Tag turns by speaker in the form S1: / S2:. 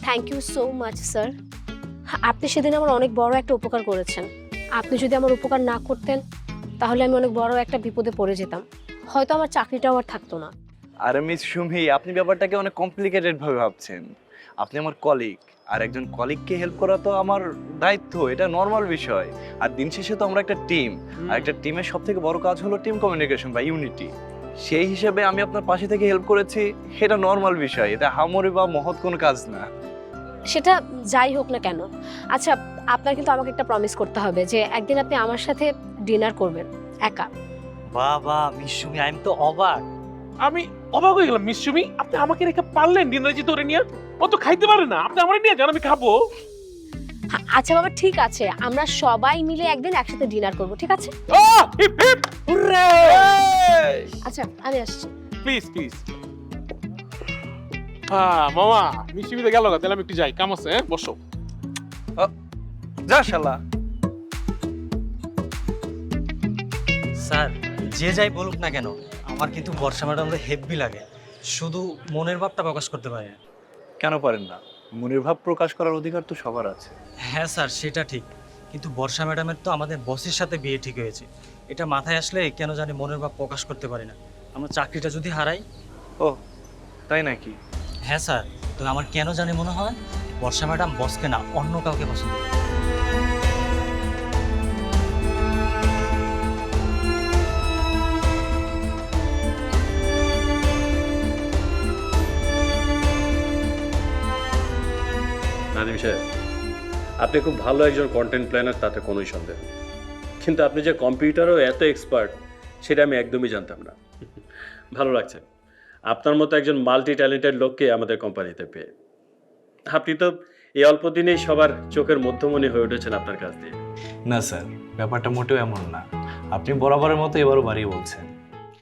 S1: Thank you so much sir. আপনি সেদিন আমার অনেক বড় একটা উপকার করেছেন। আপনি যদি আমার উপকার না করতেন তাহলে আমি অনেক বড় একটা বিপদে পড়ে যেতাম, হয়তো আমার চাকরিটাও আর থাকতো না।
S2: আরে মিস সুমি, আপনি ব্যাপারটাকে অনেক কমপ্লিকেটেড ভাবে ভাবছেন। আপনি আমার কলিগ, আর একজন কলিগকে হেল্প করা তো আমার দায়িত্ব, এটা নর্মাল বিষয়। আর দিন শেষে তো আমরা একটা টিম, আর একটা টিমের সব থেকে বড় কাজ হলো টিম কমিউনিকেশন বা ইউনিটি। সেই হিসেবে আমি আপনার পাশে থেকে হেল্প করেছি, এটা নর্মাল বিষয়, এটা হামরি বা মহৎ কোনো কাজ না।
S1: সেটা যাই হোক না কেন, আচ্ছা আপনার কিন্তু আমাকে একটা প্রমিস করতে হবে যে একদিন আপনি আমার সাথে ডিনার করবেন একা।
S3: বাবা মিশুমি, আই এম তো অবাক।
S4: আমি অবাক হয়ে গেলাম। মিসুমি, আপনি আমাকে রেখে পারলেন ডিনারে যেতে ওরে নিয়ে? ও তো খাইতে পারে না, আপনি আমারে নিয়ে যান, আমি খাবো।
S1: আচ্ছা বাবা ঠিক আছে, আমরা সবাই মিলে একদিন একসাথে ডিনার করব, ঠিক আছে?
S4: Hip hip hurray!
S1: আচ্ছা আমি আসছি।
S4: Please please. হ্যাঁ মামা, মিসুমিতে গেল গা, তাহলে আমি একটু যাই, কাম আছে। বসো।
S2: যা শালা।
S3: স্যার, যে যাই বলুক না কেন, আমার কিন্তু বর্ষা ম্যাডামকে হেভি লাগে। শুধু মনের ভাবটা প্রকাশ করতে পারে না।
S2: কেন পারেন না? মনের ভাব প্রকাশ করার অধিকার তো সবার আছে।
S3: হ্যাঁ স্যার, সেটা ঠিক, কিন্তু বর্ষা ম্যাডামের তো আমাদের বসের সাথে বিয়ে ঠিক হয়েছে। এটা মাথায় আসলে কেন জানি মনের ভাব প্রকাশ করতে পারি না। আমার চাকরিটা যদি হারাই।
S2: ও তাই নাকি?
S3: হ্যাঁ স্যার, তো আমার কেন জানি মনে হয় বর্ষা ম্যাডাম বসকে না অন্য কাউকে পছন্দ করে।
S5: নাদিম সাহেব, আপনি খুব ভালো একজন কন্টেন্ট প্ল্যানার, তাতে কোনোই সন্দেহ নেই। কিন্তু আপনি যে কম্পিউটারও এত এক্সপার্ট, সেটা আমি একদমই জানতাম না। ভালো লাগছে আপনার মতো একজন মাল্টি ট্যালেন্টেড লোককে আমাদের কোম্পানিতে পেয়ে। আপনি তো এই অল্প দিনেই সবার চোখের মধ্যমণি হয়ে উঠেছেন আপনার কাছ দিয়ে।
S2: না স্যার, ব্যাপারটা মোটেও এমন না। আপনি বরাবরের মতো এবারও বাড়িয়ে বলছেন।